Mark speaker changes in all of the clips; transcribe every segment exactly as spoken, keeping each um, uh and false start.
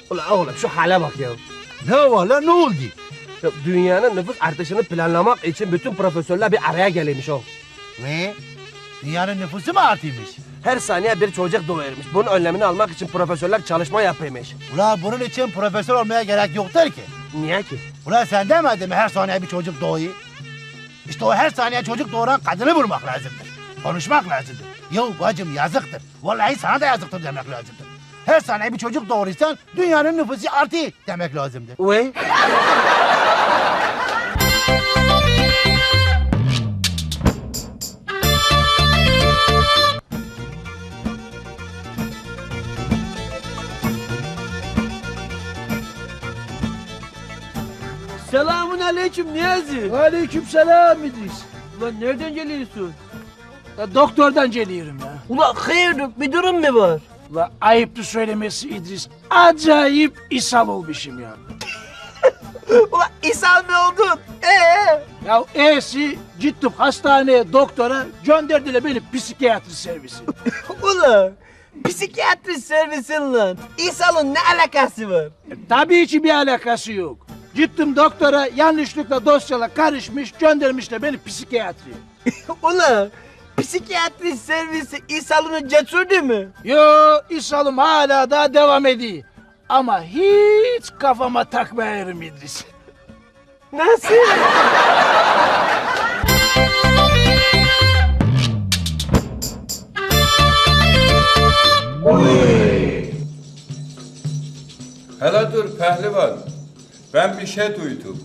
Speaker 1: Ulan oğlum şu hale bak ya.
Speaker 2: Ne var lan, ne oldu?
Speaker 1: Ya dünyanın nüfus artışını planlamak için bütün profesörler bir araya gelmiş o.
Speaker 2: Ne? Dünyanın nüfusu mu artıymış?
Speaker 1: Her saniye bir çocuk doğuyormuş. Bunun önlemini almak için profesörler çalışma yapıyormuş.
Speaker 2: Ulan bunun için profesör olmaya gerek yoktur ki.
Speaker 1: Niye ki?
Speaker 2: Ulan sen demedin mi her saniye bir çocuk doğuyor? İşte o her saniye çocuk doğuran kadını vurmak lazımdır. Konuşmak lazımdır. Yok bacım yazıktır. Vallahi sana da yazıktır demek lazımdır. Her saniye bir çocuk doğurursan dünyanın nüfusu artıyor demek lazımdır.
Speaker 1: Uy.
Speaker 3: Selamun aleyküm Niyazi.
Speaker 4: Aleyküm selam İdris.
Speaker 3: Ulan nereden geliyorsun?
Speaker 4: Ya doktordan geliyorum ya.
Speaker 3: Ulan hayırdır bir durum mu var?
Speaker 4: La ayıptı söylemesi İdris. Acayip ishal olmuşum ya.
Speaker 3: Ulan ishal mı oldun? Ee?
Speaker 4: Ya e'si gittim hastaneye doktora gönderdiler beni psikiyatri servisi.
Speaker 3: Ulan psikiyatri servisin lan. İshal'ın ne alakası var?
Speaker 4: E, tabii ki bir alakası yok. Gittim doktora yanlışlıkla dosyala karışmış göndermişler beni psikiyatriye.
Speaker 3: Ulan psikiyatri servisi İshal'ını götürdü mü?
Speaker 4: Yo ishalım hala daha devam ediyor. Ama hiç kafama takmayarım İdris.
Speaker 3: Nasıl?
Speaker 5: Hele dur pehlivan. Ben bir şey duydum.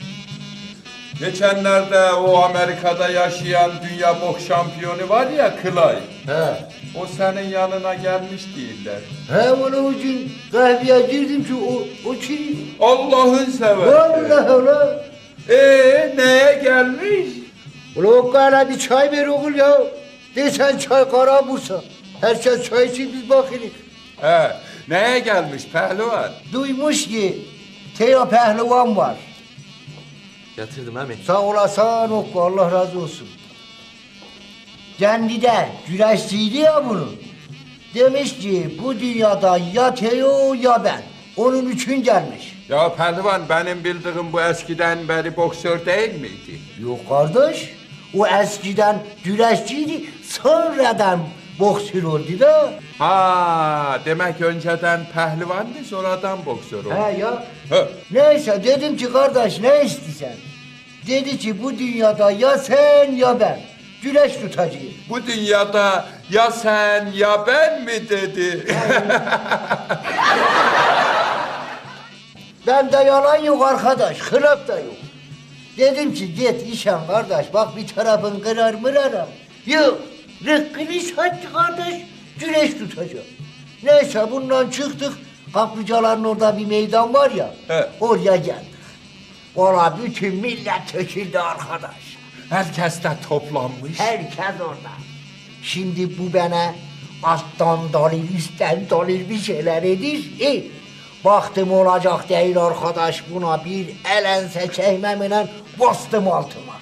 Speaker 5: Geçenlerde o Amerika'da yaşayan dünya boks şampiyonu var ya Clay.
Speaker 6: He.
Speaker 5: O senin yanına gelmiş değiller.
Speaker 6: He onun için kahveye girdim ki o, o kim?
Speaker 5: Allah'ın seversen.
Speaker 6: Vallahi ulan.
Speaker 5: Ee neye gelmiş?
Speaker 6: Ulan o kara bir çay ver oğul ya. Desen çay kara bulsa. Herkes çay için biz bakırız.
Speaker 5: He, neye gelmiş pehlivan?
Speaker 6: Duymuş ki Teo pehlivan var.
Speaker 3: Yatırdım abi.
Speaker 6: Sağ olasın Okku, Allah razı olsun. Kendi de güreşçiydi ya bunu. Demiş ki bu dünyada ya Teo ya ben. Onun için gelmiş.
Speaker 5: Ya pehlivan benim bildiğim bu eskiden beri boksör değil miydi?
Speaker 6: Yok kardeş. O eskiden güreşçiydi. Sonradan boksör oldu da.
Speaker 5: Ha, demek önceden pehlivandı sonradan boksör oldu.
Speaker 6: He ya.
Speaker 5: He.
Speaker 6: Neyse dedim ki kardeş ne istiyorsun? Dedi ki bu dünyada ya sen ya ben. Güreş tutacağız.
Speaker 5: Bu dünyada ya sen ya ben mi dedi?
Speaker 6: Ben de yalan yok arkadaş, hılap da yok. Dedim ki git işen kardeş, bak bir tarafın kırar mırarım. Yok, rıkkını sattı kardeş, güreş tutacağım. Neyse bundan çıktık, kaplıcaların orada bir meydan var ya,
Speaker 5: He.
Speaker 6: oraya geldik. Orada bütün millet töküldü arkadaş.
Speaker 5: Herkes de toplanmış.
Speaker 6: Herkes orada. Şimdi bu bana alttan dalil, üstten dalil bir şeyler edir. E, baktım olacak değil arkadaş, buna bir elense çekmemle bastım altıma.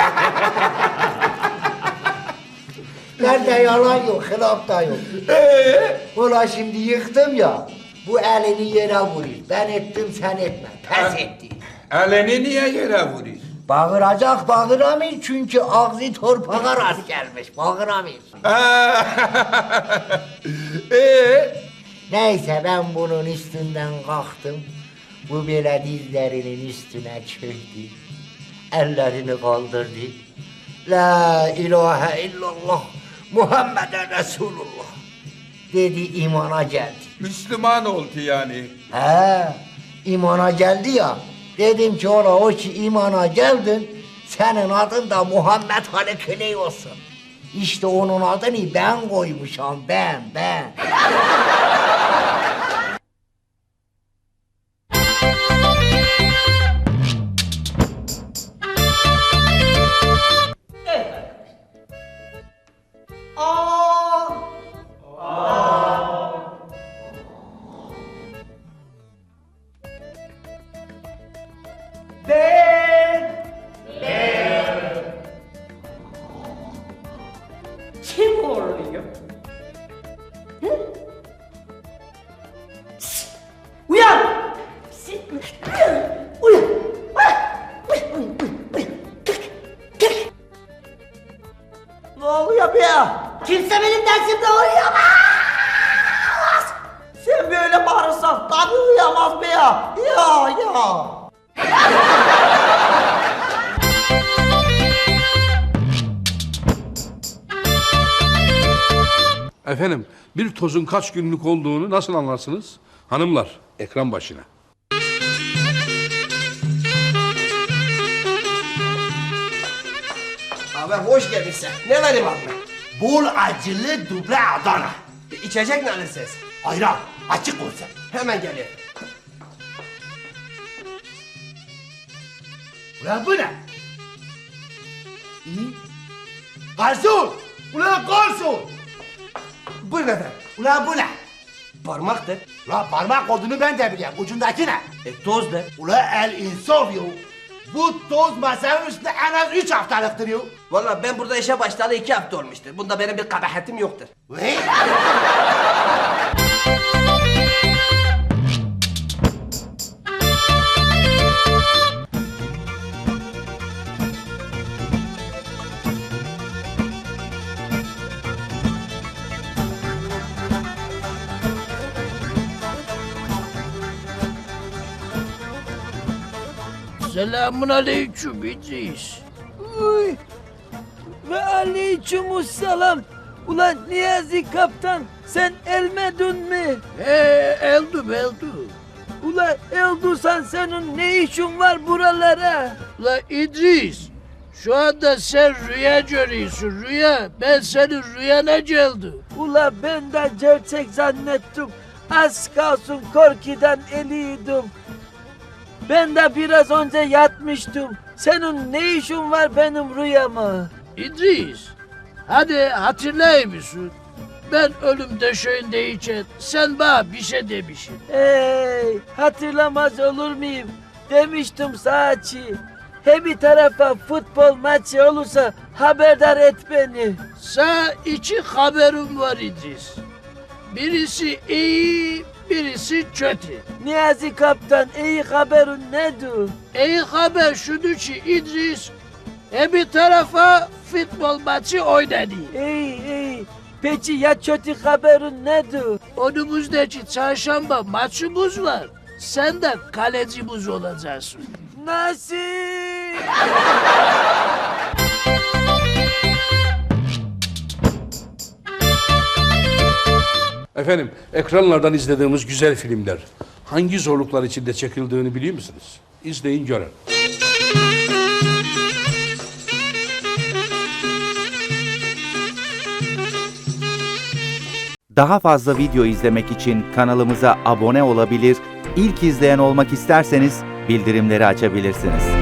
Speaker 6: Nerede yalan yok, hılaf da yok. Ulan şimdi yıktım ya, bu elini yere vurur. Ben ettim, sen etme. Pes etti.
Speaker 5: Elini niye yere vuruyor?
Speaker 6: Bağıracak bağıramıyor çünkü ağzı torpağa rast gelmiş. Bağıramıyor.
Speaker 5: Ee,
Speaker 6: Neyse ben bunun üstünden kalktım. Bu böyle dizlerinin üstüne çöktü. Ellerini kaldırdı. La ilahe illallah Muhammeden Resulullah dedi, imana geldi.
Speaker 5: Müslüman oldu yani.
Speaker 6: He, imana geldi ya. Dedim ki ola o ki imana geldin, senin adın da Muhammed Ali Kıley olsun. İşte onun adını ben koymuşam, ben, ben.
Speaker 7: Kim oluyor? Hı?
Speaker 6: Kimse benim dersimde uyuyamaz.
Speaker 3: Sen böyle bağırırsan tabii uyuyamaz be ya. Ya ya.
Speaker 7: Efendim, bir tozun kaç günlük olduğunu nasıl anlarsınız? Hanımlar, ekran başına.
Speaker 1: Abi hoş gelmişsin. Ne vereyim abi?
Speaker 2: Bol acılı duble Adana.
Speaker 1: İçecek ne alırsınız?
Speaker 2: Ayran açık olsun.
Speaker 1: Hemen geliyor.
Speaker 2: Ulan bu ne? İyi. Garson! Ulan garson!
Speaker 1: Buyurun efendim.
Speaker 2: Ulan bu ne?
Speaker 1: Parmaktır.
Speaker 2: Ulan parmak olduğunu ben de biliyorum. Ucundaki ne?
Speaker 1: E tozdur.
Speaker 2: Ulan el insaf yo. Bu toz masanın üstünde en az üç haftalıktır yo.
Speaker 1: Vallahi ben burada işe başlayalı iki hafta olmuştur. Bunda benim bir kabahatim yoktur.
Speaker 2: Vay!
Speaker 4: Selamun aleyküm İdris.
Speaker 8: Uy. Ve aleykümselam. Ulan Niyazi kaptan sen elmedin mi?
Speaker 4: He eldüm eldüm.
Speaker 8: Ulan elduysan senin ne işin var buralara?
Speaker 4: La İdris, şu anda sen rüya görüyorsun rüya. Ben senin rüyana geldim.
Speaker 8: Ula ben de gerçek zannettim. Az kalsın korkudan eliydim. Ben de biraz önce yatmıştım. Senin ne işin var benim rüyama?
Speaker 4: İdris, hadi hatırlayır mısın? Ben ölüm döşeğindeyken sen bana bir şey demişsin.
Speaker 8: Hey, hatırlamaz olur muyum? Demiştim saçı. He bir tarafa futbol maçı olursa haberdar et beni.
Speaker 4: Sana iki haberim var İdris. Birisi iyi, birisi kötü.
Speaker 8: Niyazi kaptan iyi haberin nedir?
Speaker 4: İyi haber şudur ki İdris, e bir tarafa futbol maçı oynadı.
Speaker 8: İyi iyi. Peki ya kötü haberin nedir?
Speaker 4: Önümüzdeki çarşamba maçımız var. Sen de kalecimiz olacaksın.
Speaker 8: Nasıl?
Speaker 7: Efendim, ekranlardan izlediğimiz güzel filmler hangi zorluklar içinde çekildiğini biliyor musunuz? İzleyin görün.
Speaker 9: Daha fazla video izlemek için kanalımıza abone olabilir, ilk izleyen olmak isterseniz bildirimleri açabilirsiniz.